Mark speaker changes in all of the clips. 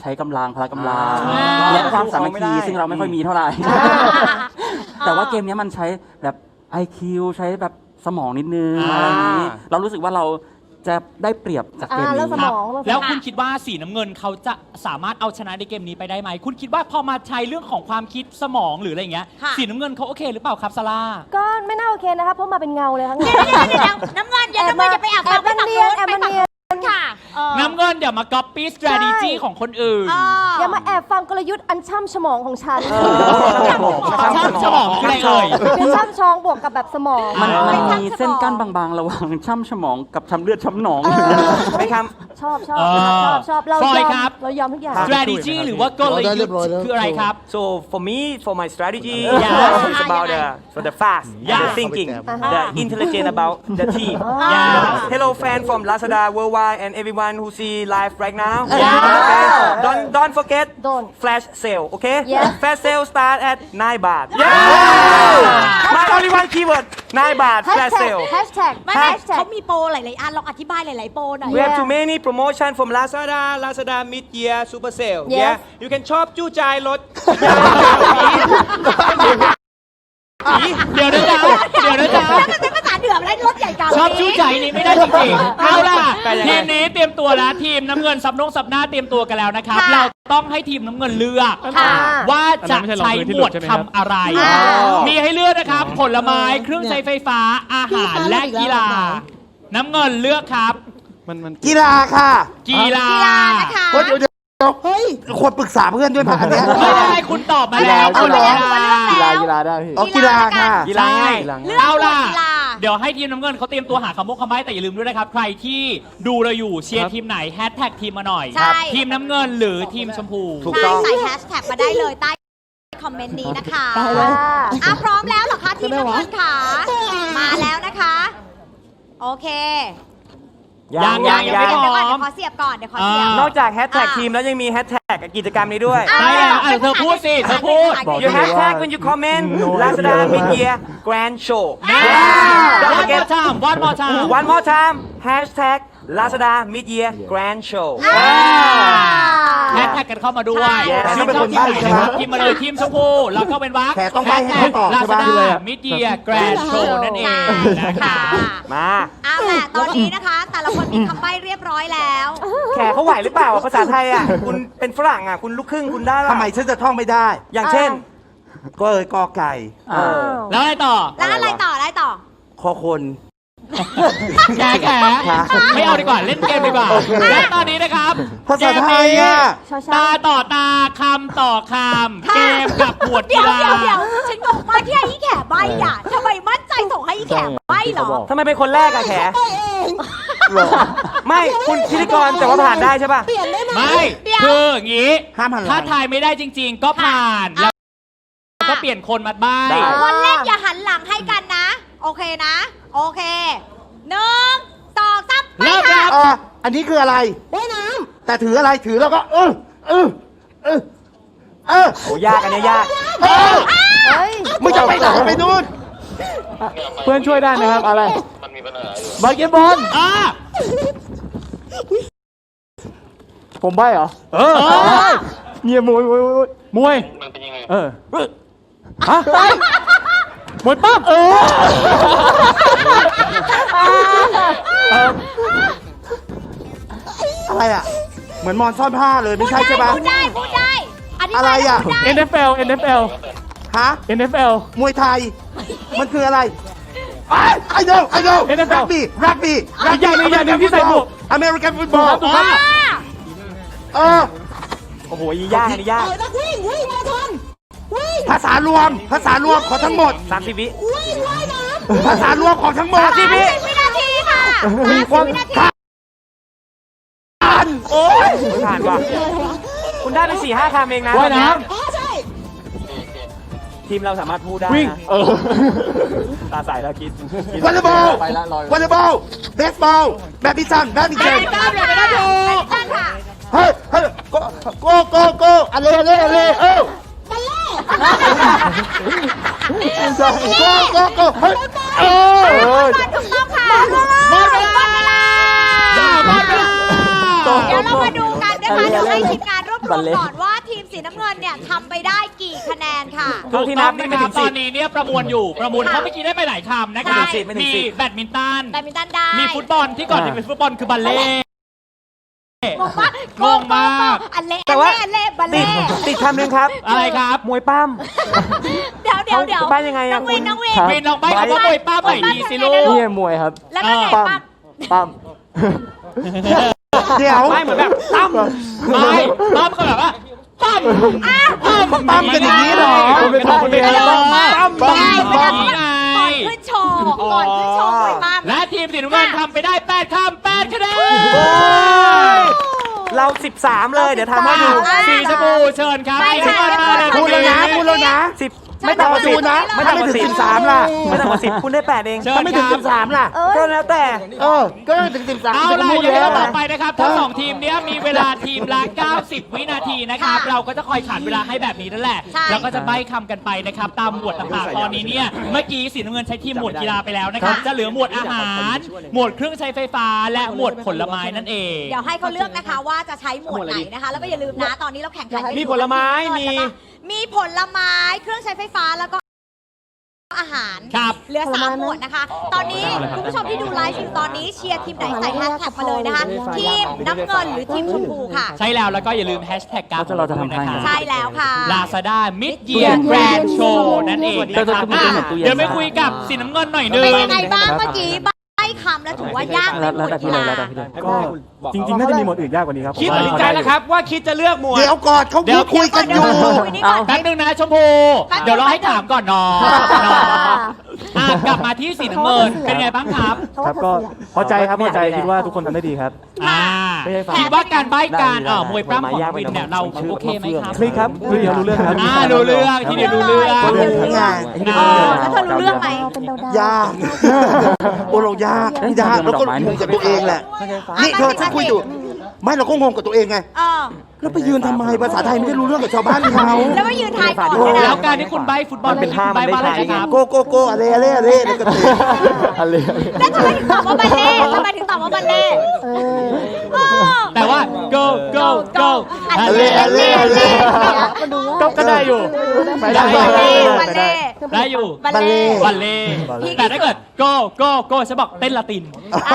Speaker 1: ใช้กำลังพละกำลังและความสามัคคีซึ่งเราไม่ค่อยมีเท่าไหร่แต่ว่าเกมนี้มันใช้แบบ IQ ใช้แบบสมองนิดนึงอะไรอย่างนี้เรารู้สึกว่าเราจะได้เปรียบจากเกมนี้
Speaker 2: แล้วคุณคิดว่าสีน้ำเงินเขาจะสามารถเอาชนะในเกมนี้ไปได้ไหมคุณคิดว่าพอมาใช้เรื่องของความคิดสมองหรืออะไรอย่างเงี้ยสีน้ำเงินเขาโอเคหรือเปล่าครับซาร่า
Speaker 3: ก็ไม่น่าโอเคนะครับเพราะมาเป็นเงาเลยทั้งนั้น
Speaker 4: น้ำเงินอย่าไปแอบฟังไปฝั่งนู้นไปฝั่งนู้นค่ะ
Speaker 2: น้ำเงินเดี๋ยวมา copy strategy ของคนอื่น
Speaker 3: อย่ามาแอบฟังกลยุทธ์อันช่ำฉมองของฉัน
Speaker 2: ช่ำฉมองคืออะไรเอ่ย
Speaker 3: คือช่ำชองบวกกับแบบสมอง
Speaker 1: มันมีเส้นกั้นบางๆระหว่างช่ำฉมองกับช้ำเลือดช้ำหนอง
Speaker 5: ไม่ครับ
Speaker 3: ชอบเรายอมทุกอย่าง
Speaker 2: strategy หรือว่ากลยุทธ์คืออะไรครับ
Speaker 5: so for my strategy is about the fast the thinking the intelligent about the team hello fan from Lazada worldwide and everyone who see live right now okay don't forget flash sale okay flash sale start at 9 baht my only one keyword 9 baht flash sale
Speaker 3: hashtag
Speaker 4: เขามีโปรหลายๆอันลองอธิบายหลายๆโปรหน่อย
Speaker 5: we have too many promotion from Lazada mid year super sale yeah you can shop จู้ใจลด
Speaker 2: เดี๋ยวนะจ๊ะ
Speaker 4: เป็นภาษาเหนืออะไรรถใหญ่กัน
Speaker 2: ชอบชู้ใจนี้ไม่ได้จริงๆเอาล่ะทีมนี้เตรียมตัวแล้วทีมน้ำเงินสับหน้าเตรียมตัวกันแล้วนะครับเราต้องให้ทีมน้ำเงินเลือกว่าจะใช้หมวดทำอะไรมีให้เลือกนะครับผลไม้เครื่องใช้ไฟฟ้าอาหารและกีฬาน้ำเงินเลือกครับ
Speaker 6: กีฬาค่ะ
Speaker 2: กีฬา
Speaker 4: นะคะ
Speaker 6: เฮ้ยควรปรึกษาเพื่อนด้วยป่ะอันเนี้ย
Speaker 2: ไม่ได้คุณตอบมาแล้ว
Speaker 6: กีฬาได้พี่กีฬาค่ะ
Speaker 2: กีฬาเอาล่ะเดี๋ยวให้ทีมน้ำเงินเขาเตรียมตัวหาคำมุกคำไม้แต่อย่าลืมด้วยนะครับใครที่ดูเราอยู่เชียร์ทีมไหนแฮชแท็กทีมมาหน่อยทีมน้ำเงินหรือทีมชมพู
Speaker 4: ใส่แฮชแท็กมาได้เลยใต้คอมเมนต์นี้นะคะพร้อมแล้วเหรอคะทีมน้ำเงินค่ะมาแล้วนะคะโอเค
Speaker 2: ยังไม่พร้อม
Speaker 4: เดี๋ยวขอเสียบก่อน
Speaker 5: นอกจากแฮชแท็กทีมแล้วยังมีแฮชแท็กกิจกรรมนี้ด้วย
Speaker 2: ใช่แล้วเธอพูดสิเธอพูด
Speaker 5: you hashtag when you comment Lazada mid year grand show one more time hashtag Lazada mid year grand show
Speaker 2: แฮชแท็กกันเข้ามาด้วยชื่อเป็นคนที่ไหนนะครับทีมมาเลยทีมชมพูแล้วก็เป็นวัก
Speaker 6: ต้องไปให้ตอบใช่ป่ะ
Speaker 2: มิดเดียแกรนด์โชว์นั่นเองนะคะ
Speaker 5: มา
Speaker 4: แต่ตอนนี้นะคะแต่ละคนมีคำใบ้เรียบร้อยแล้ว
Speaker 5: แขกเขาไหวหรือเปล่าภาษาไทยอ่ะคุณเป็นฝรั่งอ่ะคุณลูกครึ่งคุณได้หรอ
Speaker 6: ทำไมฉันจะท่องไม่ได้
Speaker 5: อย่างเช่น
Speaker 6: กอไก่
Speaker 2: แล้วอะไรต่อ
Speaker 6: คอคน
Speaker 2: แขไม่เอาดีกว่าเล่นเกมดีกว่าและตอนนี้นะครับ
Speaker 6: ภาษาไทยอ่ะ
Speaker 2: ตาต่อตาคำต่อคำเกมกับหมวดกีฬา
Speaker 4: เดี๋ยวฉันงงมากที่ให้แขใบอ่ะทำไมมั่นใจส่งให้แขใบเหรอ
Speaker 5: ทำไมเป็นคนแรกอะแขไม่คุณพิธีกรแต่ว่าผ่านได้ใช่ป่ะ
Speaker 2: ไม่คืออย่างนี้ถ้าทายไม่ได้จริงๆก็ผ่านแล้วก็เปลี่ยนคนมาบ้าง
Speaker 4: คนเล่นอย่าหันหลังให้กันนะโอเคนะโอเค1 2 3
Speaker 2: เริ่มครับ
Speaker 6: อันนี้คืออะไรว่ายน้ำแต่ถืออะไรถือแล้วก็
Speaker 5: โอ้ยากอันนี้ยาก
Speaker 6: มึงจะไปไหนไปนู่น
Speaker 1: เพื่อนช่วยได้นะครับอะไร
Speaker 6: มันมีปัญหาอยู่บาสเกตบอล
Speaker 1: ผมใบ้เหรอเนี่ยมวย
Speaker 6: มันเป็นยังไง
Speaker 1: ฮะมวยปั๊บ
Speaker 6: อะไรอ่ะเหมือนมอนซ่อนผ้าเลยไม่ใช่ใช่ปะ
Speaker 4: พูดได้
Speaker 6: อะไรอ่ะ
Speaker 1: NFL
Speaker 6: ฮะ
Speaker 1: NFL
Speaker 6: มวยไทยมันคืออะไรI know
Speaker 1: NFL
Speaker 6: รักบี้
Speaker 1: อย่างนึงที่ใส่หมวก
Speaker 6: American football
Speaker 5: โอ้โหยากอันนี้ยาก
Speaker 6: ภาษารวมของทั้งหมด
Speaker 5: 30 วิ
Speaker 6: ภาษารวมของทั้งหมด
Speaker 5: 30 วิ
Speaker 4: นาทีค่ะ30 วินาที
Speaker 5: โอ้ยผ่านว่ะคุณได้ไป 4-5 คำเองนะ
Speaker 1: ว่ายน้
Speaker 5: ำทีมเราสามารถพูดได้
Speaker 1: วิ่ง
Speaker 5: ตาใสแล้วคิด
Speaker 6: วอลเลย์บอลเบสบอลแบดมินตันเฮ้ยโกอะไรเฮ้ย
Speaker 4: ถูกต้องค่ะหมดเวลาเดี๋ยวเรามาดูกันนะคะเดี๋ยวให้ทีมงานรวบรรวมก่อนว่าทีมสีน้ำเงินเนี่ยทำไปได้กี่คะแนนค่ะ
Speaker 2: ถูกต้องนะครับตอนนี้เนี่ยประมวลอยู่ประมวลเขาเมื่อกี้ได้ไปหลายคำนะครับ
Speaker 5: ไม่ถึง
Speaker 2: มี
Speaker 5: สิบ
Speaker 2: แบดมินตัน
Speaker 4: แบดมินตันได้
Speaker 2: มีฟุตบอลที่ก่อนจะเป็นฟุตบอลคือบัลเล่ต์
Speaker 4: งงมาก
Speaker 2: งงมาก
Speaker 4: อันเล่
Speaker 5: แต่ว่า
Speaker 4: อันเล่บัล
Speaker 5: ติด
Speaker 4: เล่
Speaker 5: ติดคำหนึ่งครับ
Speaker 2: อะไรครับ
Speaker 5: มวยปั้ม
Speaker 4: เดี๋ยว
Speaker 5: เขาบ้านยังไงอะ
Speaker 4: น้องวิน
Speaker 5: คุณ
Speaker 4: น้องวิน
Speaker 2: วินลองใบ้คำว่ามวยป้าใหม่ดีสิลูก
Speaker 7: นี่มวยครับ
Speaker 4: แล้วก็ไหน
Speaker 7: ปั้ม
Speaker 4: ปั๊ม
Speaker 7: ปั้ม
Speaker 6: เดี๋ยว
Speaker 5: ไม่เหมือนแบบตั้ม
Speaker 2: ไม่ป้อมก็แบบว่าปั้มปั้ม
Speaker 6: กันอย่างนี้เหรอ
Speaker 2: เป็นคนเป็นอะไรปั้ม
Speaker 6: ปั้ม
Speaker 2: อย่างนี้ไง
Speaker 4: ก่อนขึ้นโชว์ก่อนขึ้นโชว์มวยปั๊ม
Speaker 2: และทีมสีน้ำเงินทำไปได้8คำ8คะแนน
Speaker 5: เรา 13 เลย เดี๋ยวทำให้ดู
Speaker 2: สีชมพูเชิญครับ
Speaker 4: ไปค่ะ
Speaker 6: พูดแล้วนะพูดแล้วนะ
Speaker 5: 10 ไม่ต่ำกว่า
Speaker 6: ดูนะ
Speaker 5: 10ไม่ต่ำกว่า
Speaker 6: ถ้าไม่ถึง
Speaker 5: 10
Speaker 6: 13ล่ะ
Speaker 5: ไม่ต่ำกว่า10คุณได้ 8 เอง
Speaker 2: เชิญ
Speaker 6: ถ้าไม่ถึง
Speaker 2: ครับ
Speaker 6: 13ล่ะ
Speaker 5: ก็แล้วแต่
Speaker 6: ก็ถึง13
Speaker 2: เอาล่ะ
Speaker 6: พูด
Speaker 2: อย่าง
Speaker 6: แล้
Speaker 2: ที่
Speaker 6: ว
Speaker 2: เราบอกไปนะครับทั้งสองทีมเนี้ยมีเวลาทีมละ 90 วินาทีนะครับ เราก็จะคอยขันเวลาให้แบบนี้นั่นแหละ
Speaker 4: ใช่
Speaker 2: แล้วก็จะใบ้คำกันไปนะครับ ตามหมวดต่างๆ ตอนนี้เนี่ย เมื่อกี้สีน้ำเงินใช้ทีมหมวดกีฬาไปแล้วนะครับ จะเหลือหมวดอาหาร หมวดเครื่องใช้ไฟฟ้า และหมวดผลไม้นั่นเอง
Speaker 4: เดี๋ยวให้เขาเลือกนะคะว่าจะใช้หมวดไหนนะคะ แล้วก็อย่าลืมนะตอนนี้เราแข่งขันกันอยู่
Speaker 5: มีผลไม้มี
Speaker 4: มีผลไม้เครื่องใช้ไฟฟ้าแล้วก็อาหาร
Speaker 2: ครับ
Speaker 4: เหลือ3หมวดนะคะ ตอนนี้คุณผู้ชมที่ดูไลฟ์อยู่ตอนนี้เชียร์ทีมไหนใส่แฮชแท็กมาเลยนะคะ ทีมน้ำเงินหรือทีมชมพูค่ะ
Speaker 2: ใช่แล้วแล้วก็อย่าลืมแฮชแท็กการ
Speaker 1: เราจะทำให้
Speaker 4: ใช่แล้วค่ะ
Speaker 2: Lazada Mid Year Grand Show นั่นเองนะครับ
Speaker 1: เดี๋ยวจะ
Speaker 2: เดี๋ยวไม่คุยกับสีน้ำเงินหน่อยนึง
Speaker 4: เป็นยังไงบ้างเมื่อกี้ใบ้คำแล้วถือว่ายากไหมหมวดกีฬา
Speaker 7: ก็จริงๆ น่าจะมีหมวดอื่นยากกว่านี้ครับ
Speaker 5: คิดตัดสินใจแล้วครับว่าคิดจะเลือกหมวด
Speaker 6: เดี๋ยวก่อนเขาพูดคุยกันอยู่
Speaker 2: แป๊บนึงนะชมพู เดี๋ยวเราให้ถามก่อนน้องกลับมาที่สีน้ำเงินเป็นไงบ้างครับ
Speaker 7: ครับก็พอใจครับพอใจคิดว่าทุกคนทำได้ดีครับ ไม่ใช่ฝาก
Speaker 2: คิดว่าการใบ้การมวยปล้ำของวินเนี่ยเราโอเคไหมครับ
Speaker 7: คลิกครับคือเดียวรู้เรื่องครับ
Speaker 2: รู้เรื่องทีเดียวรู้เรื่อง
Speaker 4: แล้วเธอรู้เรื่องไหม
Speaker 6: ยากโอ้เรายากแล้วก็งงกับตัวเองแหละ นี่เธอฉันคุยอยู่ ไม่เราก็งงกับตัวเองไง แล้วไปยืนทำไมภาษาไทยไม่ได้รู้เรื่องกับชาวบ้านเขา
Speaker 4: แล้วมายืนทายก่อน
Speaker 2: แล้วการที่คุณใบ้ฟุตบอลเป็นใบ้ว่าอะไรครับ
Speaker 6: โกโกโกอะไรอะไรอะไรแล้วก็เตะ
Speaker 7: อะไร
Speaker 4: แล้วทำไมถึงตอบว่าบัลเล่ทำไมถึงตอบว่าบัลเล่
Speaker 2: แต่ว่า go go go
Speaker 6: อะไรอะไรอะไร
Speaker 2: ก็ได้อยู่
Speaker 7: ไปได้
Speaker 4: บัลเล่
Speaker 2: ได้อยู่
Speaker 4: บัลเล่
Speaker 2: บัลเล่แต่ถ้าเกิด go go go ฉันบอกเต้นละติน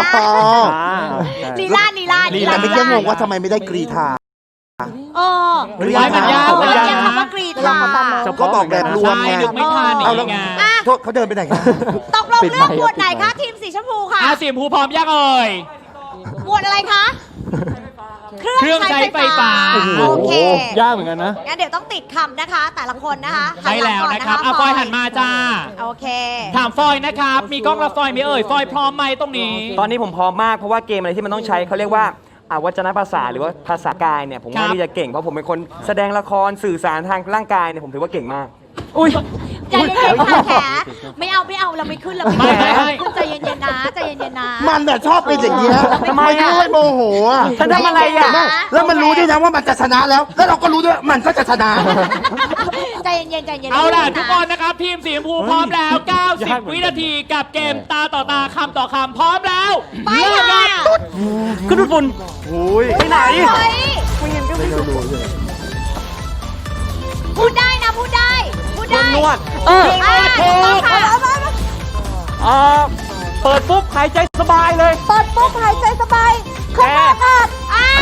Speaker 4: ลีลาลีลา
Speaker 6: แต่ไม่แค่งงว่าทำไมไม่ได้กรีธา
Speaker 2: ไว้มันยาก
Speaker 4: มันยากคำว่ากรีธา
Speaker 6: ก็บอกแบบรวมไง
Speaker 2: นึกไม่ทัน
Speaker 6: เอา
Speaker 2: อี
Speaker 6: แล้ว
Speaker 2: กไง
Speaker 6: โทษเขาเดินไปไหนกัน
Speaker 4: ตกลงเลือกหมวดไหนคะทีมสีชมพูค่ะ
Speaker 2: สีชมพูพร้อมยังเอ่ย
Speaker 4: หมวดอะไรคะ
Speaker 2: เครื่องใช้ไฟฟ้า
Speaker 4: โอเค
Speaker 7: ยากเหมือนกันนะ
Speaker 4: งั้นเดี๋ยวต้องติดคำนะคะ แต่ละคนนะคะ
Speaker 2: ใช่แล้วนะครับฟอยหันมาจ้า
Speaker 4: โอเค
Speaker 2: ถามฟอยนะครับ มีกล้องรับฟอยไหมเอ่ย ฟอยพร้อมไหมตรงนี้
Speaker 5: ตอนนี้ผมพร้อมมากเพราะว่าเกมอะไรที่มันต้องใช้เขาเรียกว่าวัจนภาษาหรือว่าภาษากายเนี่ยผม
Speaker 2: ครั
Speaker 5: ว่า
Speaker 2: บ
Speaker 5: ที่จะเก่งเพราะผมเป็นคนแสดงละครสื่อสารทางร่างกายเนี่ยผมถือว่าเก่งมาก
Speaker 2: อุ้ย
Speaker 4: ใจเย็นๆค่ะแขไม่เอาเราไม่ขึ้นเราไม่ขึ้น
Speaker 2: ไม่
Speaker 4: ใจเย็นๆนะใจเย็นๆนะ
Speaker 6: มันแบบชอบเป็นอย่างเงี้ย
Speaker 5: ทำไมอะ
Speaker 6: ไม่โมโหอ่ะ
Speaker 5: ฉันทำอะไรอ่ะ
Speaker 6: แล้วมันรู้ด้วยนะว่ามันจะชนะแล้ว แล้วเราก็รู้ด้วยมันก็จะชนะ
Speaker 4: ใจเย็นๆใจเย็นๆ
Speaker 2: เอาล่ะทุกคนนะครับ ทีมสีชมพูพร้อมแล้ว 90 วินาทีกับเกมตาต่อตาคำต่อคำพร้อมแล้ว
Speaker 4: ไปค่ะ
Speaker 2: ขึ้นฝุ่น
Speaker 5: ไปไหน
Speaker 4: เฮ้ยพูดได้นะพูดได้พูดได้
Speaker 5: นวด
Speaker 4: ถูกต้องค่ะ
Speaker 5: เปิดปุ๊บหายใจสบายเลย
Speaker 3: เปิดปุ๊บหายใจสบายเครื่องอากาศ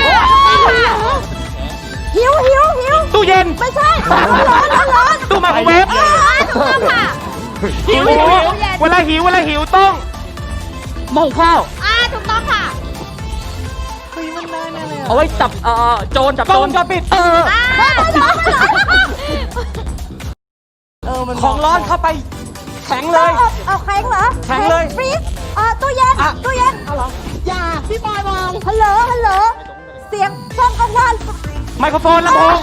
Speaker 3: หิว
Speaker 5: ตู้เย็น
Speaker 3: ไม่ใช่ร้อน
Speaker 5: ตู้ไมโครเวฟ
Speaker 4: ถูกต้องค่ะ
Speaker 5: หิวเวลาหิวต้อง
Speaker 1: หม้อข้าว
Speaker 4: ถูกต้องค่ะ
Speaker 1: เอาไว้จับโจรจับโจร
Speaker 5: ปิด
Speaker 3: ร้อน
Speaker 5: ของร้อนเข้าไปแข็งเลย
Speaker 3: เอาแข็งเหรอ
Speaker 5: แข็งเลย
Speaker 3: ฟรีซตู้เย็นเอาเหรออย่าพี่บอยวางฮัลโหลเสียงช่องกลางวัน
Speaker 5: ไมโครโฟนลำโพง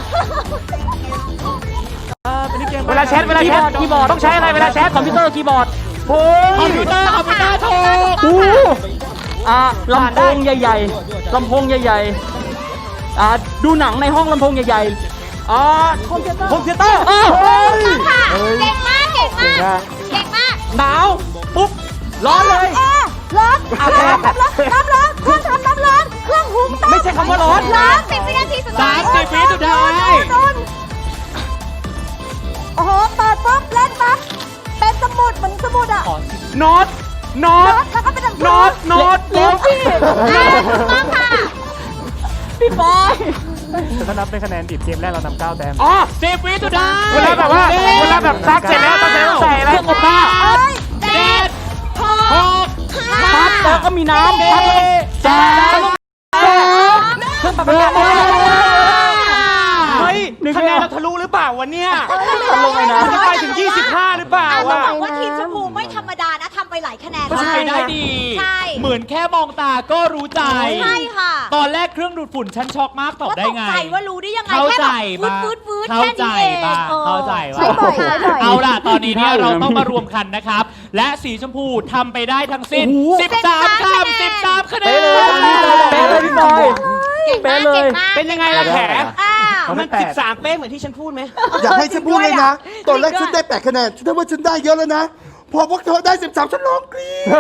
Speaker 5: เวลาแชทคีย์บอร์ดต้องใช้อะไรเวลาแชท
Speaker 1: คอมพิวเตอร์คีย์บอร์ด
Speaker 2: คอมพิวเตอร์ถูก
Speaker 1: ลำโพงใหญ่ๆลำโพงใหญ่ๆดูหนังในห้องลำโพงใหญ่ๆ
Speaker 5: คอมพิวเตอร์
Speaker 4: ค่ะ เก่งมากเก่งมาก
Speaker 5: หนาวปุ๊บร้อนเลย
Speaker 3: ร้อนเครื่องทำน้ำร้อนเครื่องทำน้ำร้อนเคเครื่องหุงต้ม
Speaker 5: ไม่ใช่คำว่าร้อน
Speaker 4: 30 วินาทีสุดท้าย
Speaker 2: 30 วิสุดท้าย
Speaker 3: โอ้โหเปิดปุ๊บเล่นปั๊บเป็นสมุดเหมือนสมุดอ่ะ
Speaker 5: โน้ต
Speaker 3: แล้วก็เป็นหนังสือ
Speaker 5: โน้ต
Speaker 3: เร็วพี่
Speaker 4: ต้องค่ะ
Speaker 3: พี่บอย
Speaker 7: แต่ถ้านับเป็นคะแนนดิบเกมแรกเรานำ9 แต้ม
Speaker 5: อ๋อ
Speaker 2: 10 วิสุดท้าย
Speaker 5: เวลาแบบว่าเวลาแบบซักเสร็จแล้วต้องใส่อะไร
Speaker 2: เครื่องอบผ้า
Speaker 3: เอ้ย
Speaker 2: 7 6
Speaker 1: พัดแล้วก็มีน้ำพัดแล้วก็
Speaker 2: แจ๊ค
Speaker 1: เครื่องปรับอากาศ
Speaker 5: เฮ้ยคะแนนเราทะลุหรือเปล่าวันเนี้ย
Speaker 1: ลงเลยนะ
Speaker 5: มันไปถึง 25 หรือเปล่า
Speaker 4: ต้อง
Speaker 5: อ่ะ
Speaker 4: บอกว่าทีมชมพูไม่ธรรมดานะทำไปหลายคะแนน
Speaker 2: ทำไปได้ดี
Speaker 4: ใช่
Speaker 2: เหมือนแค่มองตาก็รู้ใจ
Speaker 4: ใช่ค่ะ
Speaker 2: ตอนแรกเครื่องดูดฝุ่นฉันช็อกมากตอบ
Speaker 4: ก็
Speaker 2: ได้
Speaker 4: ตก
Speaker 2: ไง
Speaker 4: ใจว่ารู้ได้ยังไง
Speaker 2: เข้า
Speaker 4: แค่
Speaker 2: ใจ
Speaker 4: แบบ
Speaker 2: บ้าง
Speaker 4: วืดวืด
Speaker 2: เข้า
Speaker 4: แค่
Speaker 2: ใจ
Speaker 4: นี้เอง
Speaker 2: บ้าง
Speaker 4: ออ
Speaker 2: เข้าใจ
Speaker 3: ใช่
Speaker 2: บ้าง
Speaker 3: บ่อยใช่บ่อย
Speaker 2: เอาล่ะ ตอนนี้เนี่ยเราต้องมารวมกันนะครับ และสีชมพูทำไปได้ทั้งสิ้น 13 คำ 13 คะแนน
Speaker 1: เป๊ะเลยพี่บอย
Speaker 4: เก่งมากเก่งมาก
Speaker 5: เป็นยังไงล่ะแผล
Speaker 4: อ้าว
Speaker 5: มัน13 เป๊ะเหมือนที่ฉันพูดไหม
Speaker 6: อยากให้ฉันพูดเลยนะ ตอนแรกฉันได้8 คะแนนฉันว่าฉันได้เยอะแล้วนะ พอพวกเธอได้ 13 ฉันร้องกรี๊ด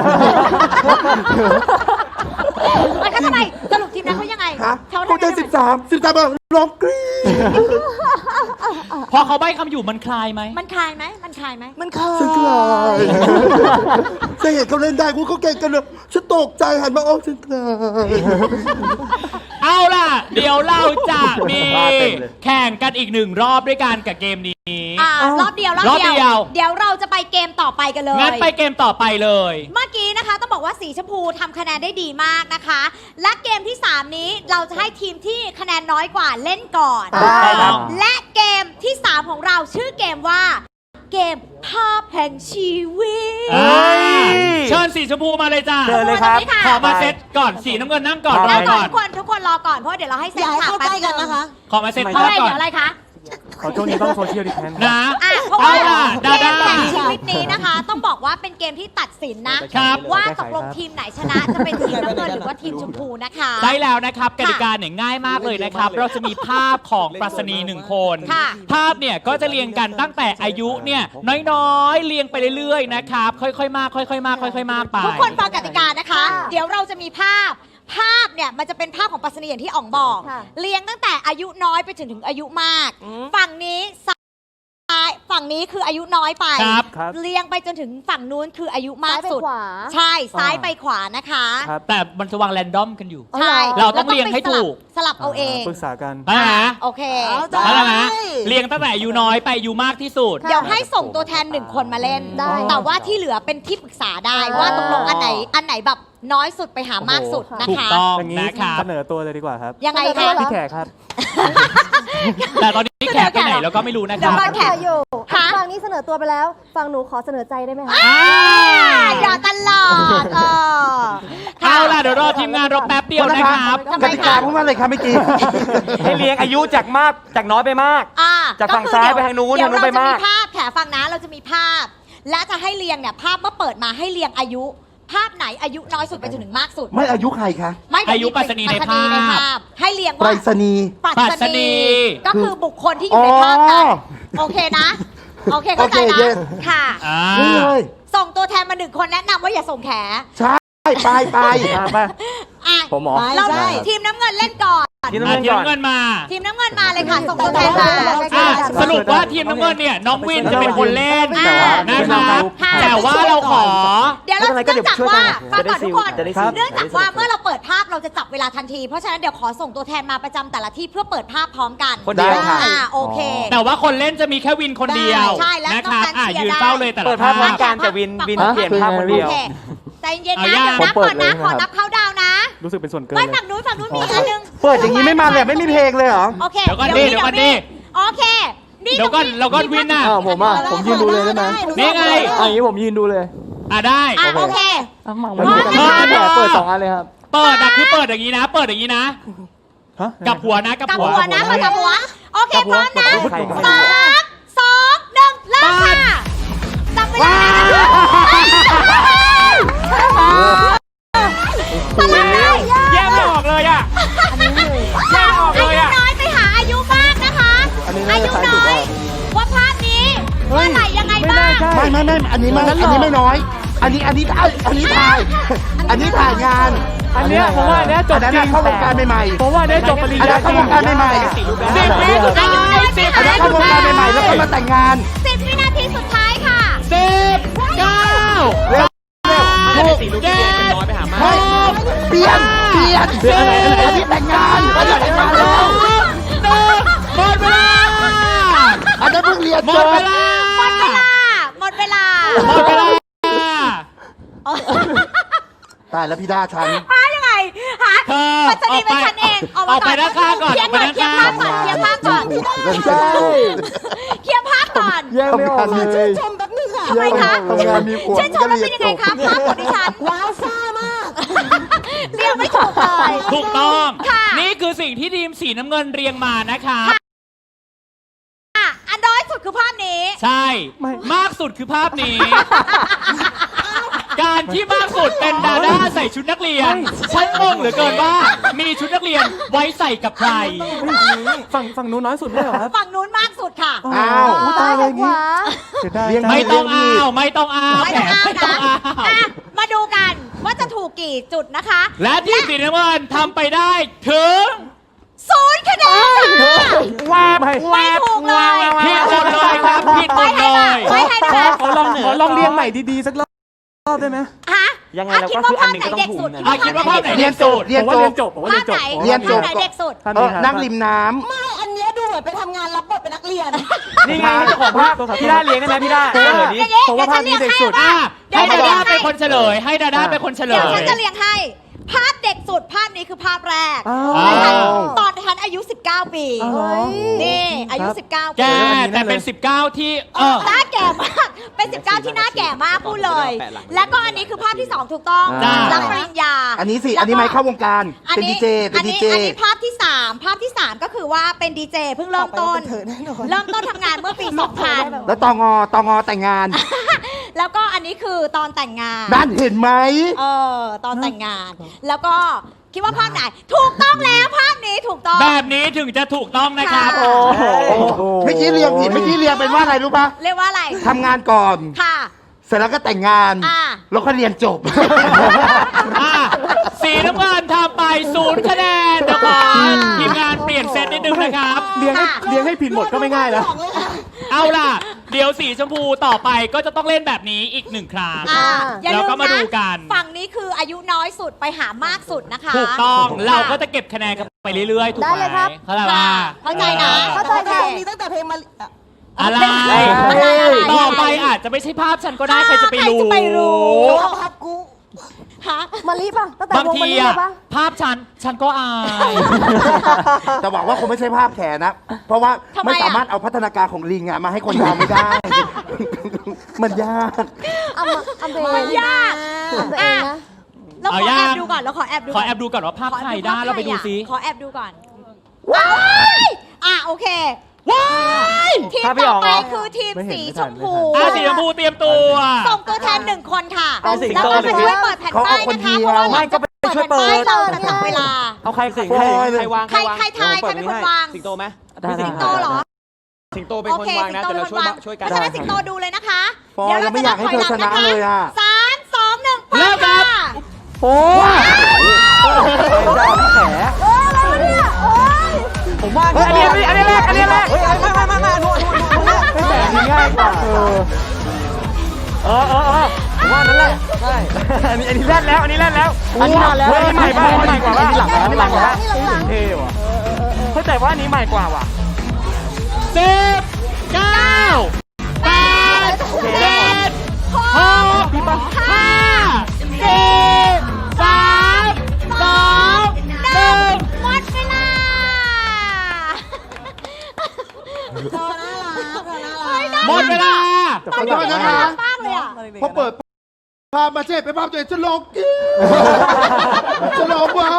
Speaker 4: มันก็ทำไมสรุปทีมนั้นเขายังไง
Speaker 6: ฮะ
Speaker 4: เขา
Speaker 6: พวกได้ 13มาร้องกรี๊ด
Speaker 2: พอเขาใบ้คำอยู่มันคลายไหม
Speaker 4: มันคลายไหมมันคลายไหม
Speaker 3: มันเคย
Speaker 6: ฉันกลายจะเห็นเขาเล่นได้กูเขาเก่งกันเลยฉันตกใจหันมาโอ้ฉันกลาย
Speaker 2: เอาล่ะ เดี๋ยวเราจะมีแข่งกันอีก1 รอบด้วยกันกับเกมนี้
Speaker 4: รอบเดียว
Speaker 2: รอบเดียว
Speaker 4: เดี๋ยวเราจะไปเกมต่อไปกันเลย
Speaker 2: งั้นไปเกมต่อไปเลย
Speaker 4: เมื่อกี้นะคะต้องบอกว่าสีชมพูทำคะแนนได้ดีมากนะคะ และเกมที่ 3 นี้เราจะให้ทีมที่คะแนนน้อยกว่าเล่นก่อน
Speaker 5: ได้ครับ
Speaker 4: และเกมที่ 3 ของเราชื่อเกมว่า เกมภาพแห่งชีวิต
Speaker 2: เชิญสีชมพูมาเลยจ้า
Speaker 5: เชิญเลยครับ
Speaker 2: ขอมาเซตก่อนสีน้ำเงินนั่งก่อน
Speaker 4: แล้ว
Speaker 2: รอ
Speaker 4: ก่อ
Speaker 2: ก่อน น
Speaker 4: ทุกคนรอก่อนเพราะว่าเดี๋ยวเราให้เซตฉากแป๊บนึง
Speaker 2: ขอมาเซต
Speaker 4: เพ
Speaker 2: ภา
Speaker 4: ราะ
Speaker 2: พ
Speaker 4: อะไร
Speaker 2: ก่อ
Speaker 4: เดี๋ย
Speaker 2: น
Speaker 4: วอะไรคะ
Speaker 7: ขอช่วงนี้ต้องโซเชียลดิสแทน
Speaker 2: นะ
Speaker 4: เพราะว่า
Speaker 2: เอาล่ะ
Speaker 4: เก
Speaker 2: ดาม ด้า
Speaker 4: แห่งชีวิตนี้นะคะ ต้องบอกว่าเป็นเกมที่ตัดสินนะครับ ว่าตกลงทีมไหนชนะจะเป็นทีมน้ำเงินหรือว่าทีมชมพูนะคะ
Speaker 2: ได้แล้วนะครับกติกาเนี่ยง่ายมากเลยนะครับ เราจะมีภาพของปรัชนี1 คน
Speaker 4: ค่ะ
Speaker 2: ภาพเนี่ยก็จะเรียงกันตั้งแต่อายุเนี่ยน้อยๆเรียงไปเรื่อยๆนะครับ ค่อยๆมากค่อยๆมากค่อยๆมากไป
Speaker 4: ทุกคนฟังกติกานะคะ เดี๋ยวเราจะมีภาพเนี่ยมันจะเป็นภาพของปรัชนีอย่างที่อ๋องบอก
Speaker 3: ค่ะ
Speaker 4: เรียงตั้งแต่อายุน้อยไปถึงอายุมาก ฝั่งนี้ซ้ายฝั่งนี้คืออายุน้อยไป
Speaker 2: ครับ
Speaker 4: เรียงไปจนถึงฝั่งนู้นคืออายุมากสุด
Speaker 3: ซ้ายไปขวา
Speaker 4: ใช่ซ้ายไปขวานะคะ
Speaker 7: ครับ
Speaker 2: แต่มันจะวางแรนดอมกันอยู่
Speaker 4: ใช่
Speaker 2: เราต้องเรียงให้ถูก
Speaker 4: สลับเอาเอง
Speaker 7: ปรึกษากัน
Speaker 2: นะฮะ
Speaker 4: โอเค
Speaker 2: แล้วนะเรียงตั้งแต่อายุน้อยไปอายุมากที่สุด
Speaker 4: เดี๋ยวให้ส่งตัวแทน1 คนมาเล่น
Speaker 3: ได้
Speaker 4: แต่ว่าที่เหลือเป็นที่ปรึกษาได้ว่าตกลงอันไหนแบบน้อยสุดไปหามากสุดนะ
Speaker 2: ถูก
Speaker 4: คะ
Speaker 2: ต้อง
Speaker 7: อย่างนี้
Speaker 2: นะครับ
Speaker 7: เสนอตัวเลยดีกว่าครับ
Speaker 4: ยังไง
Speaker 3: เสนอตั
Speaker 4: คะ
Speaker 3: วเหรอ
Speaker 7: พี่แขกครับ
Speaker 2: แต่ตอนนี้แขกไปไหนเราก็ไม่รู้นะค
Speaker 4: เดี๋
Speaker 2: รั
Speaker 4: ยว
Speaker 2: บ
Speaker 4: ก่อน แขก
Speaker 3: อยู่
Speaker 4: ฮะ
Speaker 3: ฝั่งนี้เสนอตัวไปแล้ว ฝั่งหนูขอเสนอใจได้ไหมคะ
Speaker 4: อย่าตลอด
Speaker 2: เอาล่ะเดี๋ยวรอทีมงานเราแป๊บเดียวนะครับ
Speaker 4: ทำไม
Speaker 6: กติกาพูดว่าอะไรครับเมื่อกี้
Speaker 5: ให้เรียงอายุจากมากจากน้อยไปมาก จากฝั่งซ้ายไปทางนู้น
Speaker 4: เดี๋ยว
Speaker 5: ทางนู้นไปมาก
Speaker 4: เรจะมีภาพแขฟังนะเราจะมีภาพ และจะให้เรียงเนี่ยภาพเมื่อเปิดมาให้เรียงอายุ ภาพไหนอายุน้อยสุดไปจนถึงมากสุด
Speaker 6: ไม่อายุใครคะ
Speaker 4: ไม่
Speaker 2: อายุปรัชนีในภาพ
Speaker 4: ให้เรียง
Speaker 6: ไปร
Speaker 4: ว่า
Speaker 6: ษณีย์
Speaker 4: ปรัชนี ก็คือบุคคลที่อยู่ใน
Speaker 6: อ๋อ
Speaker 4: ภาพนั้นโอเคนะ โอเคเข้าใจ
Speaker 6: โอเค
Speaker 4: นะ
Speaker 6: yes
Speaker 4: ค่ะ
Speaker 2: อ่า
Speaker 6: นี่เลย
Speaker 4: ส่งตัวแทนมา1 คนแนะนำว่าอย่าส่งแข
Speaker 6: ใช่ไป
Speaker 4: อ่ะ
Speaker 1: ผมเหรอ
Speaker 4: เราทีมน้ำเงินเล่นก่อน
Speaker 5: ทีม
Speaker 2: อ่ะ
Speaker 5: น้ำเงิน
Speaker 2: ทีม
Speaker 5: ก่อน
Speaker 2: น้ำเงินมา
Speaker 4: ทีมน้ำเงินมาเลยค่ะ ส่งตัวแทนมา
Speaker 2: อ่ะสรุปว่าทีมน้ำเงินเนี่ยน้องวินจะเป็นคนเล่น
Speaker 4: อ่า
Speaker 2: นะครับ
Speaker 4: ค่ะ
Speaker 2: แต่ว่าเราขอ
Speaker 4: เดี๋ยวเรา
Speaker 5: ไม่เป็นไรก็
Speaker 4: เนื่องจาก
Speaker 5: เดี๋ยวช่วย
Speaker 4: ว่า
Speaker 5: กัน
Speaker 4: ฟังก่อนทุกคน
Speaker 5: จะได้ซิล
Speaker 4: เนื่องจากว่าเมื่อเราเปิดภาพเราจะจับเวลาทันที เพราะฉะนั้นเดี๋ยวขอส่งตัวแทนมาประจำแต่ละที่เพื่อเปิดภาพพร้อมกัน
Speaker 5: คนเดียวค่ะ
Speaker 4: โอเค
Speaker 2: แต่ว่าคนเล่นจะมีแค่วินคนเดียว
Speaker 4: ใช่และ
Speaker 2: นะครับ
Speaker 4: นอกนั้น
Speaker 2: ยืน
Speaker 4: เชียร์ได้
Speaker 2: เฝ้าเลยแต่ละ
Speaker 5: เปิดภาพพร้อม
Speaker 2: ภาพ
Speaker 5: กันแต่วินเปลี่ยนภาพคนเดียว
Speaker 4: โอเคใจเย็น
Speaker 2: เอา
Speaker 4: นะ
Speaker 2: ย่า
Speaker 4: เดี๋ยวนับก่อนนะ ขอนับเข้าดาวน์นะ
Speaker 7: รู้สึกเป็นส่วนเกิน
Speaker 4: ไม่
Speaker 7: เลย
Speaker 4: ฝั่งนู้นมีอันนึง
Speaker 6: เปิดอย่างนี้ไม่มาเลยไม่มีเพลงเลยเหรอ
Speaker 4: โอเค
Speaker 2: เดี๋ยวก่อนดิเดี๋ยวก่อนดิ
Speaker 4: โอเคนี่
Speaker 2: เดี๋ยวก่อนเราก็วินน่ะ
Speaker 1: ผมยืนดูเลยได้ไหม
Speaker 2: นี่ไง
Speaker 1: อย่างนี้ผมยืนดูเลย
Speaker 2: ได้
Speaker 4: โอเค
Speaker 1: มันมีแต่เปิด2 อันเลยครับ
Speaker 2: เปิดอะคือเปิดอย่างนี้นะ เปิดอย่างนี้นะ
Speaker 7: ฮะ
Speaker 2: กับหัวนะกับ
Speaker 4: กับ
Speaker 2: หัว
Speaker 4: หัวนะกับหัวโอเคพร้อมนะ
Speaker 5: ใครก็ไม่
Speaker 4: 3
Speaker 5: รู้
Speaker 4: 2 1เริ่มค่ะจับเวลาตลาดเลย
Speaker 5: แยกไม่ออกเลยอ่ะ แยกออก
Speaker 4: อา
Speaker 5: เลย
Speaker 4: ยุ
Speaker 5: อ่ะ
Speaker 4: น้อยไปหาอายุมากนะคะ อายุน้อยว่าภาพนี้เมื่อไหร่ยังไงบ้าง
Speaker 6: ไม่อันนี้ไม่น้อย อันนี้ถ่ายงาน
Speaker 7: อันเนี้ยผมว่าอันเนี้ยจบ
Speaker 6: อันนั้น
Speaker 7: จริ
Speaker 6: น่ะ
Speaker 7: ง
Speaker 6: เข้าวงการใหม่ๆ
Speaker 7: ผมว่าอันเนี้ยจบปริญ
Speaker 6: อัน
Speaker 7: ญา
Speaker 6: นั้นเข้าวงการใหม่ๆ
Speaker 2: 10 วิสุดท้าย10
Speaker 6: อันนั้นเข้าวงการใหม่ๆแล้วก็มาแต่งงาน
Speaker 4: 10 วินาทีสุดท้ายค่ะ
Speaker 2: 10 9
Speaker 6: เร็วถูก เฮ้ยเปลี่ยนอันนี้แต่งงานอันนี้แต่งงานแล้ว
Speaker 2: หมดเวลา
Speaker 6: อันนั้นเพิ่งเรียน
Speaker 2: หม
Speaker 6: จ
Speaker 2: ด
Speaker 6: บ
Speaker 2: เวลา
Speaker 4: หมดเวลา
Speaker 2: หมดเวลา
Speaker 6: ตายแล้วพี่ด้าฉัน
Speaker 4: หายังไงหา
Speaker 2: เธอ
Speaker 4: ปัจจุบันเป็นฉันเอง
Speaker 2: ออกไปด้านข้างก่อน
Speaker 4: เคลียร์ก่อนเคลียร์ภาพก่อนเคลียร์ภาพก่อนเคลียร์ภาพก่อน
Speaker 7: แยกไม่ออกเลย
Speaker 3: ชมแป๊บนึงค่ะ
Speaker 4: ทำไมคะ
Speaker 6: ทำงานมีผัว
Speaker 4: ชื่นชมแล้วเป็นยังไงคะภาพของดิฉัน
Speaker 3: ว้าวซ่ามาก
Speaker 4: เรียกไม่ถูกเลย
Speaker 2: ถูกต้อง
Speaker 4: ค่ะ
Speaker 2: นี่คือสิ่งที่ทีมสีน้ำเงินเรียงมานะครับ
Speaker 4: อ่ะอันน้อยสุดคือภาพนี้
Speaker 2: ใช่ มากสุดคือภาพนี้ การที่มากสุดเป็นดาด้าใส่ชุดนักเรียน ฉันงงเหลือเกินว่า มีชุดนักเรียนไว้ใส่กับใคร
Speaker 7: ฝั่งนู้นน้อยสุดไม่เหรอครับ
Speaker 4: ฝั่งนู้นมากสุดค่ะ
Speaker 6: อ้าว
Speaker 7: ตายเลยอย่างงี้เสียดาย
Speaker 6: เลี้ยง
Speaker 2: ไม่ต้องอ้าวไม่ต้องอ้าว
Speaker 4: ไม่
Speaker 2: แหม
Speaker 4: ต้องอ้าว
Speaker 2: ไม่ต้อง
Speaker 4: นะ
Speaker 2: อ้าว
Speaker 4: อ่ะมาดูกันว่าจะถูกกี่จุดนะคะ
Speaker 2: และทีมสีน้ำเงินทำไปได้ถึง
Speaker 4: 0 คะแนนค่ะ ไม่ถูกเลย
Speaker 2: ผิดหมดเลยครับผิดหมดเลย
Speaker 4: ไว้ให้นะคะ
Speaker 7: ขอลองเรียงใหม่ดีๆสักรอบได้ไหม
Speaker 4: ฮะ
Speaker 5: ยังไง
Speaker 4: อ่ะ
Speaker 5: เรา
Speaker 4: คิด
Speaker 5: ก็
Speaker 4: ว่า
Speaker 5: คืออั
Speaker 4: ภาน พ
Speaker 5: หนึ่ง
Speaker 4: ไหน
Speaker 5: ก็ต้อ
Speaker 4: เด็
Speaker 5: ง
Speaker 4: ก
Speaker 5: ถู
Speaker 4: สุ
Speaker 5: ก
Speaker 4: ด
Speaker 5: นะ
Speaker 4: คิดว่าภาพไหน
Speaker 6: เรียนจบ
Speaker 7: ผมว่าเรียนจบผมว่าเรียนจบ
Speaker 6: เรียนจบ
Speaker 4: ภาพไหนเด็กสุด
Speaker 7: ท่าน
Speaker 6: เอ
Speaker 7: นี้
Speaker 6: อ
Speaker 7: ครับ
Speaker 6: นั่งริมน้
Speaker 3: ไม่อันเนี้ยดูเหมือนไปทำงานรับบทเป็นนักเรียน
Speaker 5: นี่ไงเจ้าของภาพพี่ด้าเลี้ยงได้ไหมพี่ด้า
Speaker 4: อ่ะ
Speaker 5: เดี๋ยว
Speaker 4: อย่า
Speaker 5: นี้
Speaker 4: งงี้
Speaker 7: ผมว่าภาพนี้เด็กสุด
Speaker 4: ดี๋ยว
Speaker 2: ให้
Speaker 4: ฉัน
Speaker 2: ดา
Speaker 4: เรีย
Speaker 2: ด้าง เป็น
Speaker 4: ให้
Speaker 2: คนเฉลย ให้ดาด้าเป็นคนเฉล
Speaker 4: เดี๋ยวย ฉันจะเรียงให้ ภาพเด็กสุดภาพนี้คือภาพแรก
Speaker 7: อ้าว
Speaker 4: นะคะตอนฉันอายุ 19 ปี
Speaker 7: อ้าวเหรอ
Speaker 4: นี่อายุ 19
Speaker 2: แก
Speaker 4: ปี
Speaker 2: แต่เป็น 19 ที่
Speaker 4: หน้าแก่มาก เป็น 19 ที่หน้าแก่มากพูดเลย แล้วก็อันนี้คือภาพที่ 2 ถูกต้อง
Speaker 2: จ้า
Speaker 4: รับปริญญา
Speaker 6: ำอันนี้สิ อันนี้ไม่เข้าวงการ เป็นดีเจ เป็นดีเจ
Speaker 4: อันนี้ภาพที่ 3 ภาพที่ 3 ก็คือว่าเป็นดีเจเพิ่งเริ่มต้น
Speaker 3: ต่อไปก็เป็นเธอแน่นอน
Speaker 4: เริ่มต้นทำงานเมื่อปี 2000
Speaker 6: แล้วตองอแต่งงาน
Speaker 4: แล้วก็อันนี้คือตอนแต่งงาน
Speaker 6: นั่นเห็นไหม
Speaker 4: ตอนแต่งงาน แล้วก็คิดว่าภาพไหน ถูกต้องแล้วภาพนี้ถูกต้อง
Speaker 2: แบบนี้ถึงจะถูกต้องนะครับ
Speaker 4: ค่ะ
Speaker 6: เมื่อกี้เรียงผิด เมื่อกี้เรียงเป็นว่าอะไรรู้ปะ
Speaker 4: เรียกว่าอะไร
Speaker 6: ทำงานก่อน
Speaker 4: ค่ะ
Speaker 6: เสร็จแล้วก็แต่งงาน
Speaker 4: อ่า
Speaker 6: แล้วก็เรียนจบ
Speaker 2: อ่ะสีน้ำเงินทำไป0 คะแนนเดี๋ยวขอทีมงานเปลี่ยนเซตนิดนึงนะครับ
Speaker 7: เรียงให้ผิดหมดก็ไม่ง่ายแล้ว
Speaker 2: เอาล่ะ เดี๋ยวสีชมพูต่อไปก็จะต้องเล่นแบบนี้อีก1 ครั้ง
Speaker 4: อย่า
Speaker 2: แล้ว
Speaker 4: ลื
Speaker 2: ก็
Speaker 4: ม
Speaker 2: มา
Speaker 4: นะ
Speaker 2: ดูกัน
Speaker 4: ฝั่งนี้คืออายุน้อยสุดไปหามากสุดนะคะ
Speaker 2: ถูกต้อง เราก็จะเก็บคะแนนกันไปเรื่อยๆ ถูกไหม
Speaker 3: ได้เลยครับ
Speaker 2: เข้าใจ
Speaker 4: ค่ะ
Speaker 2: ป่ะ
Speaker 4: เข้าใจนะ
Speaker 3: เข้าใจค่ะมีตั้งแต่เพลงมา
Speaker 2: อะไร
Speaker 4: อะไร
Speaker 2: ต่อไปอาจจะไม่ใช่ภาพฉันก็ได้ใครจะไปรู้
Speaker 4: ใครจะไปรู้
Speaker 3: ภาพกู
Speaker 4: ฮะ
Speaker 3: มาลีป่ะตั้งแต่
Speaker 2: บาง
Speaker 3: วง
Speaker 2: ที
Speaker 3: มาลี
Speaker 2: อะ
Speaker 3: เลยป่ะ
Speaker 2: ภาพฉันก็อาย
Speaker 6: แต่หวังว่าคงไม่ใช่ภาพแขนนะ เพราะว่า
Speaker 4: ทำไมอะ
Speaker 6: ไม่สามารถเอาพัฒนาการของลิงอะมาให้คนยาวไม่ได้ มันยาก
Speaker 3: เอาเพลง
Speaker 4: มันยาก
Speaker 3: เอาตัวเองนะ
Speaker 4: เราขอ
Speaker 2: เอายั
Speaker 4: แอง บดูก่อนเราขอแอบดู
Speaker 2: ขอแอบดูก่อนว่าภาพใครได้เราไปดูซิ
Speaker 4: ขอแอบดูก่อนว้ายโอเค
Speaker 2: ว้าย
Speaker 4: ทีม
Speaker 5: ภาพไม่
Speaker 4: ต่
Speaker 5: อ
Speaker 4: อ
Speaker 5: อก
Speaker 4: ไป
Speaker 5: เหรอ
Speaker 4: คือทีม
Speaker 7: ไม่เห็น
Speaker 4: สี
Speaker 7: ไม่
Speaker 4: ช
Speaker 7: ทัน
Speaker 4: มพู
Speaker 2: สีชมพูเตรียมตัว
Speaker 4: ส่งตัวแทน1 คนค่ะ
Speaker 5: เอาสิง
Speaker 4: แล้ว
Speaker 5: โต
Speaker 4: ก็
Speaker 5: เลย
Speaker 4: ช่วยเปิดแผ่นป้าย
Speaker 6: เขาเอาคน
Speaker 4: นะคะ
Speaker 6: เดียว
Speaker 4: เพราะว่า
Speaker 5: ไม่ก็ไปช่วยเปิด
Speaker 4: แผ่นป้ายเราจะจับเวลา
Speaker 5: เอาใครสิง
Speaker 6: โอ้ย
Speaker 5: ใครวาง
Speaker 4: ใครทายใครเป็นคนวาง
Speaker 5: สิงโตไหม
Speaker 1: ได้
Speaker 4: สิงโตเหรอ
Speaker 5: สิงโตเป็น
Speaker 4: โอ
Speaker 5: คน
Speaker 4: เคว
Speaker 5: าง
Speaker 4: สิง
Speaker 5: นะ
Speaker 4: โต
Speaker 5: แต่
Speaker 4: เป็น
Speaker 5: เรา
Speaker 4: คน
Speaker 5: ช่วยว
Speaker 4: าง
Speaker 5: ช่วยกัน
Speaker 4: เพราะฉะนั้นสิงโตดูเลยนะคะ
Speaker 6: ฟอยยังไม่อยากให้เธอชนะเลยอะ
Speaker 4: 3 2 1
Speaker 2: เริ่มครับ
Speaker 7: โอ้ย
Speaker 5: ผมว่าอันนี้แรกเฮ้ยไม่นู่น
Speaker 7: ไม่แบบนี้ง่ายกว่า
Speaker 5: ผมว่านั่นแหละใช่อันนี้แรกแล้ว อันนี้นานแล้ว
Speaker 7: อันนี้ใหม่ป่ะอันนี้ใหม่กว่าป่ะ
Speaker 6: อันนี้หลังแล้วอันนี้หลังแล้ว
Speaker 7: เท่ว่ะเข้าใจว่าอันนี้ใหม่กว่าว่ะ
Speaker 2: 10 9 8 7 6 5 4 3 2 1
Speaker 4: หมดเวลา
Speaker 2: หมดเวลา
Speaker 6: ขอโทษนะคะ
Speaker 4: มากเลยอ่ะ
Speaker 6: พอเปิดภาพมาเช่ไปภาพตัวเองจะลงจะลงวะ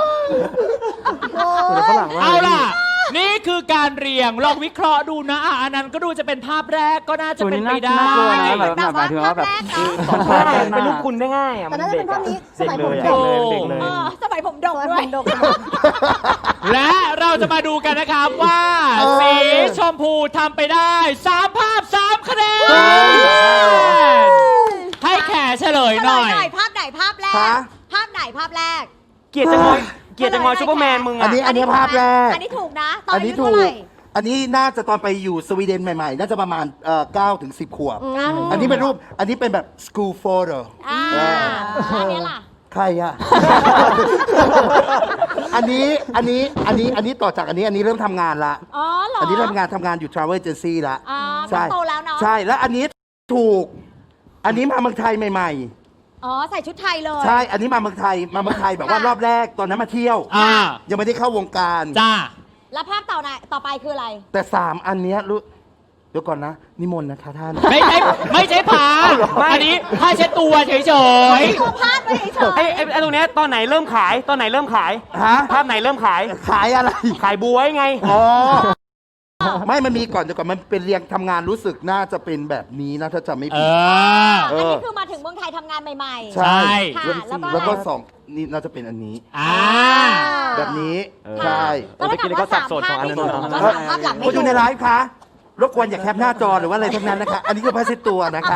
Speaker 7: แต่ฝรั่งว่า
Speaker 2: เอาล่ะ นี่คือการเรียง ลองวิเคราะห์ดูนะอันนั้นก็ดูจะเป็นภาพแรกก็น่าจะเป็นไปได้
Speaker 1: น่ากลัวนะแบบหมายถึงว่าแบบ
Speaker 4: ภาพแรกเนอะ
Speaker 5: เป็นรูปคุณได้ง่ายอ่ะ
Speaker 3: แต่
Speaker 5: มัน
Speaker 3: น่าจะ
Speaker 5: เด็
Speaker 3: เป็
Speaker 5: ก
Speaker 3: นภาพนี้ส
Speaker 5: เด็ก
Speaker 3: มัย
Speaker 5: เล
Speaker 3: ผม
Speaker 5: ย
Speaker 3: เด็ก
Speaker 7: เด็กเลย
Speaker 4: สมัยผมดก
Speaker 3: สมัย
Speaker 4: ด้
Speaker 3: ผ
Speaker 4: วย
Speaker 3: มดก
Speaker 2: และเราจะมาดูกันนะครับว่าสีชมพูทำไปได้3 ภาพ 3 คะแนน ให้แขเฉลยหน่อย
Speaker 4: ภาพไหนภาพแรก
Speaker 6: ฮะ
Speaker 4: ภาพไหนภาพแรก
Speaker 5: เกลียดจะงอยซูเปอร์แมนมึง
Speaker 6: อั
Speaker 5: อ่ะ
Speaker 6: นนี้ภาพแรก
Speaker 4: อันนี้ถูกนะ ตอน
Speaker 6: อัน
Speaker 4: อา
Speaker 6: นี้
Speaker 4: ยุ
Speaker 6: ถู
Speaker 4: เท่าก ไหร่
Speaker 6: อันนี้น่าจะตอนไปอยู่สวีเดนใหม่ๆ น่าจะประมาณ9 ถึง 10 ขวบ อันนี้เป็นรูป อันนี้เป็นแบบ school photo
Speaker 4: อันนี้ล่ะ
Speaker 6: ใครอะ อันนี้ต่อจากอันนี้เริ่มทำงานละ
Speaker 4: อ๋อเหรอ
Speaker 6: อันนี้เริ่มทำงานอยู่ travel agency ละ
Speaker 4: ใช่โตแล้วเนาะ
Speaker 6: ใช่ แล้วอันนี้ถูก อันนี้มาเมืองไทยใหม่
Speaker 4: อ๋อ ใส่ชุดไทยเลย
Speaker 6: ๆ ใช่ อันนี้มาเมืองไทยแบบว่ารอบแรกตอนนั้นมาเที่ยว ยังไม่ได้เข้าวงการ
Speaker 2: จ้า
Speaker 4: แล้วภาพต่อไปคืออะไร
Speaker 6: แต่3อันเนี้ยรู้เดี๋ยวก่อนนะ นิมนต์นะคะท่าน
Speaker 2: ไม่ใช่ผ้าอันนี้ผ้าเช็ดตัวเฉย
Speaker 4: ตัวพาดไปเฉย
Speaker 5: ไอ้ตรงเนี้ยตอนไหนเริ่มขาย
Speaker 6: ฮะ
Speaker 5: ภาพไหนเริ่มขาย
Speaker 6: ขายอะไร
Speaker 5: ขายบวยไง
Speaker 6: อ๋อ ไม่มันมีก่อนเดี๋ยวก่อนมันเป็นเรียงทำงานรู้สึกน่าจะเป็นแบบนี้นะถ้าจำไม่
Speaker 2: ๆ เอ
Speaker 6: ผิด
Speaker 2: อ
Speaker 4: อันนี้คือมาถึงเมืองไทยทำงานใหม่ๆ
Speaker 6: ใช่
Speaker 4: ค่ะแล้วก็
Speaker 6: แล้วก็สองนี่น่าจะเป็นอันนี้ แบบนี้ ใช่
Speaker 4: แล้วถ้าเกิดว่า3 ภาพที่ถูกก็3 ภาพหลังไม่
Speaker 6: คน
Speaker 4: ถู
Speaker 6: ดู
Speaker 4: ก
Speaker 6: ในไลฟ์คะรบกวนอย่าแคปหน้าจอหรือว่าอะไรทั้งนั้นนะคะ อันนี้คือผ้าเช็ดตัวนะคะ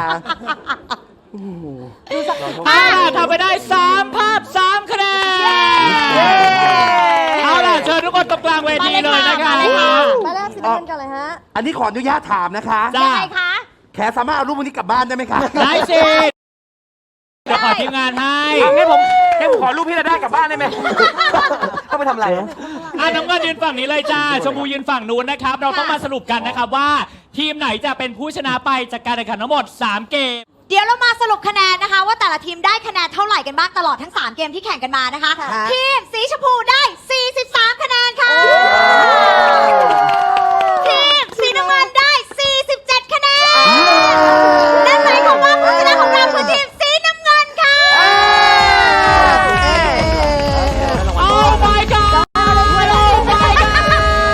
Speaker 2: ทำไปได้3 ภาพ 3 คะแนน เอาล่ะเชิญทุกคนตรงกลางเวทีเลยนะคะ
Speaker 3: มาแรกสิบกันกันเลยฮะ
Speaker 6: อันนี้ขออนุญาตถามนะคะ
Speaker 2: จ้า
Speaker 4: ยังไงคะ
Speaker 6: แขสามารถเอารูปวันนี้กลับบ้านได้ไหมคะ
Speaker 2: ได้สิเดี๋ยวขอทีมงานให้
Speaker 5: งั้นผมขอรูปพี่ระด้ากลับบ้านได้ไหม ต้องไปทำอะไร
Speaker 2: น้ำเงินยืนฝั่งนี้เลยจ้า ชมพูยืนฝั่งนู้นนะครับ เราต้องมาสรุปกันนะครับว่า ทีมไหนจะเป็นผู้ชนะไปจากการแข่งขันทั้งหมด 3 เกม
Speaker 4: เดี๋ยวเรามาสรุปคะแนนนะคะ ว่าแต่ละทีมได้คะแนนเท่าไหร่กันบ้างตลอดทั้ง 3 เกมที่แข่งกันมานะคะ ทีมสีชมพูได้ 43 คะแนนค่ะ ทีมสีน้ำเงินได้ 47 คะแนน นั่นหมายความว่าผู้ชนะของเราคือทีมสีน้ำเงินค่ะ
Speaker 2: Oh my god Oh my god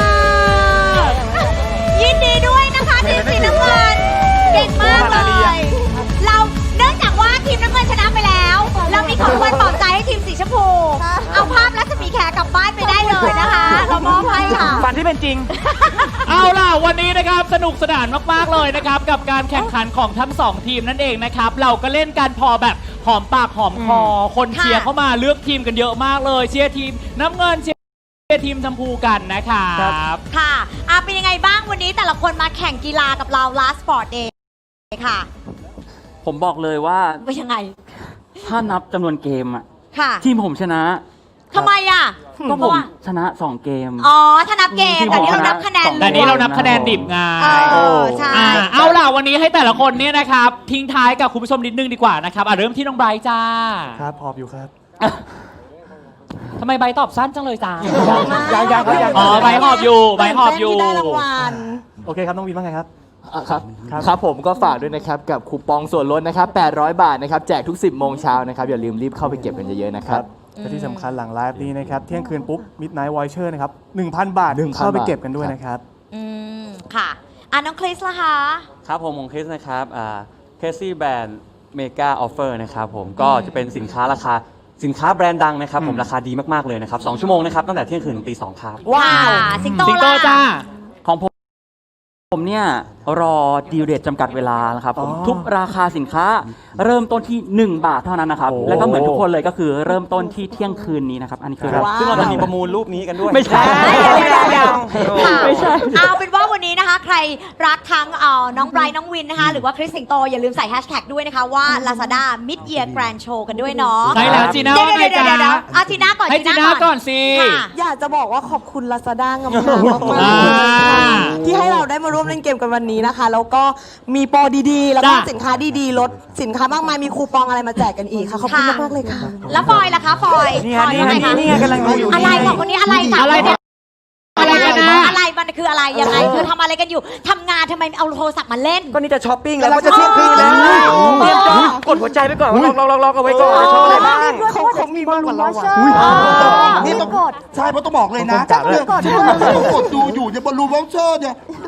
Speaker 4: ยินดีด้วยนะคะทีมสีน้ำเงินเก่งมากเลย เราเนื่องจากว่าทีมน้ำเงินชนะไปแล้ว เรามีของรางวัลปลอบใจให้ทีมสีชมพู เอาภาพรัศมีแขกกลับบ้านไปได้เลยนะคะ เรามอบให้ค่ะ
Speaker 5: ฝันที่เป็นจริง
Speaker 2: เอาล่ะวันนี้นะครับสนุกสนานมากๆเลยนะครับกับการแข่งขันของทั้ง2ทีมนั่นเองนะครับเราก็เล่นกันพอแบบหอมปากหอมคอคนเชียร์เข้ามาเลือกทีมกันเยอะมากเลยเชียร์ทีมน้ำเงินเชียร์ทีมชมพูกันนะครับ
Speaker 4: ค่ะเป็นยังไงบ้างวันนี้แต่ละคนมาแข่งกีฬากับเรา Last Sport Day ค่ะ
Speaker 1: ผมบอกเลยว่า
Speaker 4: เป็นยังไง
Speaker 1: ถ้านับจำนวนเกมอะ
Speaker 4: ค่ะ
Speaker 1: ทีมผมชนะ
Speaker 4: ทำไมอ่ะ
Speaker 1: ก็ผมชนะ 2 เกม
Speaker 4: อ๋อ ถ้านับเกม แต่นี้เรานับคะแนน
Speaker 2: แต่นี้เรานับคะแนนดิบไง
Speaker 4: ใช่
Speaker 2: เอาล่ะวันนี้ให้แต่ละคนเนี่ยนะครับทิ้งท้ายกับคุณผู้ชมนิดนึงดีกว่านะครับเริ่มที่น้องไบรท์จ้า
Speaker 7: ครับพอบอยู่ครับ
Speaker 2: ทำไมไบรท์ตอบสั้นจังเลยจ้า
Speaker 6: ยังครับยัง
Speaker 2: อ๋อไบรท์หอบอยู่ไบรท์หอบอยู่
Speaker 7: โอเคครับน้องวินว่าไงครับ
Speaker 8: ครับครับผมก็ฝากด้วยนะครับ กับคูปองส่วนลดนะครับ 800 บาทนะครับ แจกทุก 10 โมงเช้านะครับ อย่าลืมรีบเข้าไปเก็บกันเยอะๆนะครับ
Speaker 7: และที่สำคัญหลังไลฟ์นี้นะครับ เที่ยงคืนปุ๊บ Midnight Voucher นะครับ 1,000 บาท
Speaker 8: 1,000
Speaker 7: เข้าไปเก็บกันด้วยนะครับ
Speaker 4: ค่ะน้องคริสล่ะคะ
Speaker 9: ครับผมคริสนะครับเคซี่แบรนด์เมกาออฟเฟอร์นะครับผมก็จะเป็นสินค้าแบรนด์ดังนะครับผมราคาดีมาก ๆ เลยนะครับ 2 ชั่วโมงนะครับ ตั้งแต่เที่ยงคืนถึงตี 2 ครับ
Speaker 4: ว้าว สิงโต
Speaker 2: สิงโต
Speaker 4: ล่ะ
Speaker 2: จ้า
Speaker 1: ของผมเนี่ยรอดีลเดทจำกัดเวลานะครับผมทุกราคาสินค้าเริ่มต้นที่ 1 บาทเท่านั้นนะครับ
Speaker 7: โอ้
Speaker 1: แล้วก็เหมือนทุกคนเลยก็คือเริ่มต้นที่เที่ยงคืนนี้นะครับ อันนี้คือ
Speaker 9: ซึ่งเราจะมีประมูลรูปนี้กันด้วย
Speaker 1: ไม่ใช่
Speaker 4: ค่ะ
Speaker 1: ไม่ใช่
Speaker 4: เอาเป็นว่าวันนี้นะคะ ใครรักทั้งน้องไบรท์น้องวินนะคะ หรือว่าคริสสิงโต อย่าลืมใส่แฮชแท็กด้วยนะคะว่า Lazada Mid Year Grand Show กันด้วยเนาะ
Speaker 2: ใช่แล้วจีน่าว่าไงจ๊ะ
Speaker 4: เดี๋ยวเอาจีน่าก่อน
Speaker 2: ให้จีน่าก่อนสิ
Speaker 4: ค่ะ
Speaker 10: อยากจะบอกว่าขอบคุณ Lazada งามๆมากๆที่ให้เราได้มาร่วมเล่นเกมกันวันนี้นะคะ แล้วก็มีโปรดีๆ แล้วก็
Speaker 2: จ้ะ
Speaker 10: สินค้าดีๆ ลดสินค้ามากมาย มีคูปองอะไรมาแจกกันอีกค่ะ ขอบคุณ
Speaker 4: ค่ะ
Speaker 10: มากๆเลยค่ะ
Speaker 4: แล้วฟอยล่ะคะฟอย
Speaker 5: นี่
Speaker 4: ฟ
Speaker 5: ฮะ
Speaker 4: อย
Speaker 5: นี่
Speaker 4: ยังไง
Speaker 5: ฮะ
Speaker 4: คะ
Speaker 5: นี่ไงกำลังดูอยู่
Speaker 4: อะไรของคนนี้อะไรค่ะ
Speaker 2: อะไรเนี่ยอะไรกันนะ
Speaker 4: อะไรมันคืออะไรยังไงคือทำอะไรกันอยู่ทำงานทำไมเอาโทรศัพท์มาเล่น
Speaker 5: ก็นี่จะช้อปปิ้งแล้วก็จะเที่ยงคืนแล้วเตรียมจะกดหัวใจไปก่อนว่าลองเอาไว้ก่อนจะชอบอะไรบ้าง
Speaker 10: เขามีมากกว่าเราอะ
Speaker 6: นี่ต้องใช่เพราะต้องบอกเลยนะ
Speaker 7: ต้องกด
Speaker 6: ที่ต้องกดดูอยู่เนี่ยบอลลูนวอลเชอร์เนี่ย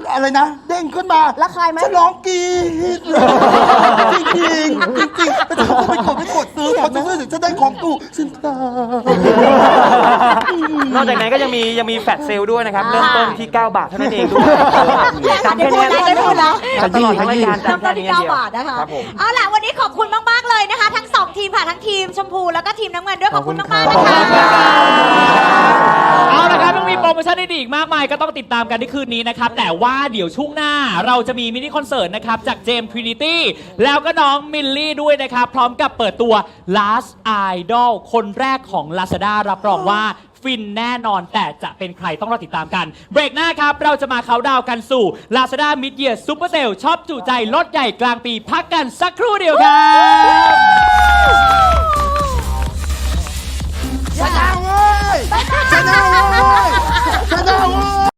Speaker 6: อะไรนะ เด้งขึ้นมา
Speaker 3: ระคายไหม
Speaker 6: ฉันร้องกรี๊ดเลยจริงจริงๆจริงๆแต่ฉันก็ไม่กดซื้อพอจะซื้อถึงจะได้ของตู้ฉันตาย
Speaker 5: นอกจากนั้นก็ยังมีแฟลชเซลด้วยนะครับ เริ่มต้นที่ 9 บาทเท่านั้นเองด้วยจำแค่นี้
Speaker 3: ได้พูดนะ
Speaker 5: ตลอดทั้งรายการ
Speaker 3: เริ่ม
Speaker 5: จำ
Speaker 3: ต้
Speaker 5: แค่
Speaker 3: นที่
Speaker 5: นี้เดียว
Speaker 3: 9 บาทนะคะ
Speaker 5: ครับผม
Speaker 4: เอาล่ะวันนี้ขอบคุณมากๆเลยนะคะ ทั้ง 2 ทีมค่ะทั้งทีมชมพูแล้วก็ทีมน้ำเงินด้วยขอบคุณมากๆนะคะ
Speaker 2: เอาละครับยังมีโปรโมชั่นดีๆอีกมากมายก็ต้องติดตามกันในคืนนี้นะครับ แต่ว่าเดี๋ยวช่วงหน้าเราจะมีมินิคอนเสิร์ตนะครับ จากเจมส์ทรินิตี้แล้วก็น้องมิลลี่ด้วยนะครับ พร้อมกับเปิดตัว Last Idol คนแรกของ Lazada รับรองว่าฟินแน่นอนแต่จะเป็นใครต้องรอติดตามกัน เบรกหน้าครับ เราจะมาเค้าน์ดาวน์กันสู่ Lazada Mid Year Super Sale ช็อปจุใจลดใหญ่กลางปีพักกันสักครู่เดียวครับ